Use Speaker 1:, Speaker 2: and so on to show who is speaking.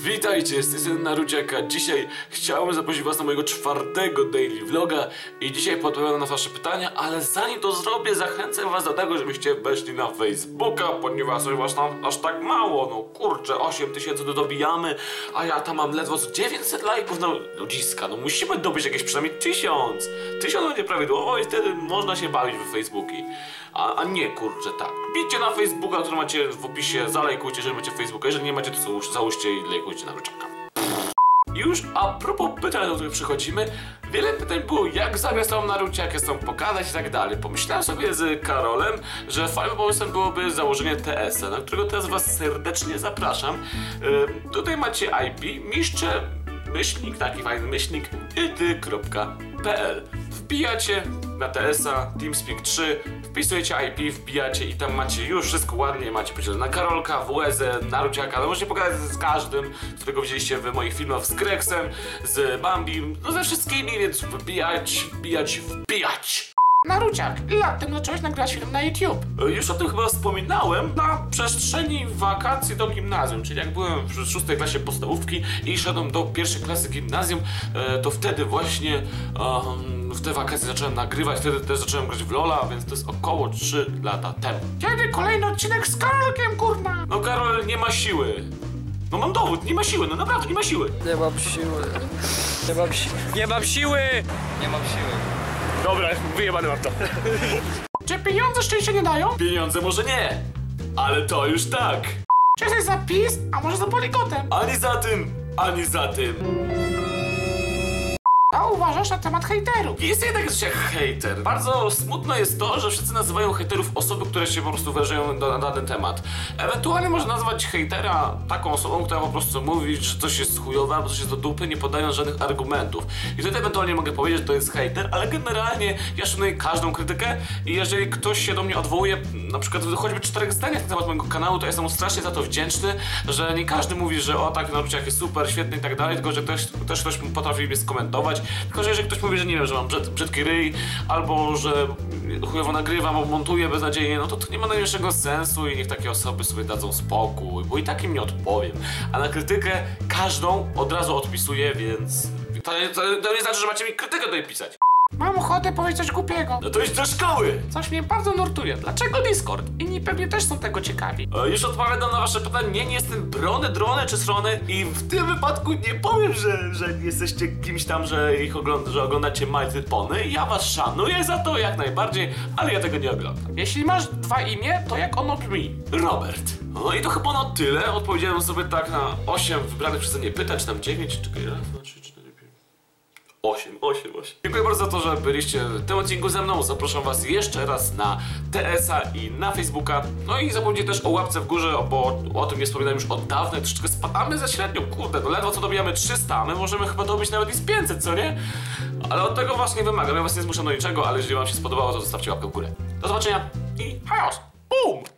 Speaker 1: Witajcie, jestem Naruciaka. Dzisiaj chciałbym zaprosić was na mojego 4. daily vloga i dzisiaj odpowiadam na wasze pytania, ale zanim to zrobię, zachęcam was do tego, żebyście weszli na Facebooka, ponieważ was tam aż tak mało, no kurczę, 8000 dobijamy, a ja tam mam ledwo 900 lajków, no ludziska, no musimy dobyć jakieś przynajmniej 1000 będzie prawidłowo i wtedy można się bawić w Facebooki, a nie kurczę, tak. Bijcie na Facebooka, który macie w opisie, zalajkujcie, jeżeli macie Facebooka, jeżeli nie macie, to załóżcie i lajkujcie Naruciaka. Już a propos pytań, do których przychodzimy, wiele pytań było, jak zagrać tą Naruciakę, jak są pokazać i tak dalej. Pomyślałem sobie z Karolem, że fajnym pomysłem byłoby założenie TS-a, na którego teraz was serdecznie zapraszam. Tutaj macie IP, myślnik, taki fajny myślnik, ity.pl. Wbijacie na TS-a, TeamSpeak 3, wpisujecie IP, wbijacie i tam macie już wszystko ładnie, macie podzielone na Karolka, WZ, Naruciaka, no możecie pogadać z każdym, którego widzieliście w moich filmach, z Grexem, z Bambim, no ze wszystkimi, więc wbijać!
Speaker 2: Naruciak, ile lat temu zacząłeś nagrywać film na YouTube?
Speaker 1: Już o tym chyba wspominałem na przestrzeni wakacji do gimnazjum, czyli jak byłem w 6. klasie podstawówki i szedłem do 1. klasy gimnazjum, to wtedy właśnie w te wakacje zacząłem nagrywać, wtedy też zacząłem grać w LoL'a, więc to jest około 3 lata temu.
Speaker 2: Kiedy kolejny odcinek z Karolkiem, kurna?
Speaker 1: No Karol nie ma siły. No mam dowód, nie ma siły, no naprawdę nie ma siły.
Speaker 3: Nie mam siły. Nie mam siły!
Speaker 1: Dobra, wyjebany mam to.
Speaker 2: Czy pieniądze szczęścia nie dają?
Speaker 1: Pieniądze może nie, ale to już tak.
Speaker 2: Czy jesteś za PiS, a może za Poligotem?
Speaker 1: Ani za tym, ani za tym.
Speaker 2: A uważasz na temat hejterów?
Speaker 1: Jest jednak coś jak hejter. Bardzo smutne jest to, że wszyscy nazywają hejterów osoby, które się po prostu wyrażają na dany temat. Ewentualnie można nazwać hejtera taką osobą, która po prostu mówi, że coś jest chujowe albo coś jest do dupy, nie podając żadnych argumentów. I wtedy ewentualnie mogę powiedzieć, że to jest hejter, ale generalnie ja szanuję każdą krytykę i jeżeli ktoś się do mnie odwołuje, na przykład choćby 4 zdaniach na temat mojego kanału, to jestem mu strasznie za to wdzięczny, że nie każdy mówi, że o tak, Naruciak jest super, świetny i tak dalej, tylko że też ktoś potrafi mnie skomentować. Tylko że jeżeli ktoś mówi, że nie wiem, że mam brzydki ryj, albo że chujowo nagrywam, albo montuję beznadziejnie, no to nie ma najmniejszego sensu i niech takie osoby sobie dadzą spokój, bo i tak im nie odpowiem. A na krytykę każdą od razu odpisuję, więc to nie znaczy, że macie mi krytykę tutaj pisać.
Speaker 2: Mam ochotę powiedzieć coś głupiego.
Speaker 1: No to idź do szkoły!
Speaker 2: Coś mnie bardzo nurtuje. Dlaczego Discord? Inni pewnie też są tego ciekawi.
Speaker 1: Już odpowiadam na wasze pytanie, nie jestem brony, drony czy strony i w tym wypadku nie powiem, że jesteście kimś tam, że oglądacie Mighty Pony. Ja was szanuję za to jak najbardziej, ale ja tego nie oglądam.
Speaker 2: Jeśli masz 2 imię, to jak ono brzmi?
Speaker 1: Robert. No i to chyba na tyle. Odpowiedziałem sobie tak na 8 wybranych przeze mnie pytań, czy tam 9, czekaj, raz, 2, 3, 4, 5. 8. Dziękuję bardzo za to, że byliście w tym odcinku ze mną. Zapraszam was jeszcze raz na TS-a i na Facebooka. No i zapomnijcie też o łapce w górze, bo o tym nie wspominałem już od dawna. Troszeczkę spadamy za średnią, kurde, no ledwo co dobijamy 300, my możemy chyba dobić nawet i z 500, co nie? Ale od tego was nie wymagam, ja was nie zmuszam do niczego, ale jeżeli wam się spodobało, to zostawcie łapkę w górę. Do zobaczenia i chaos! Boom!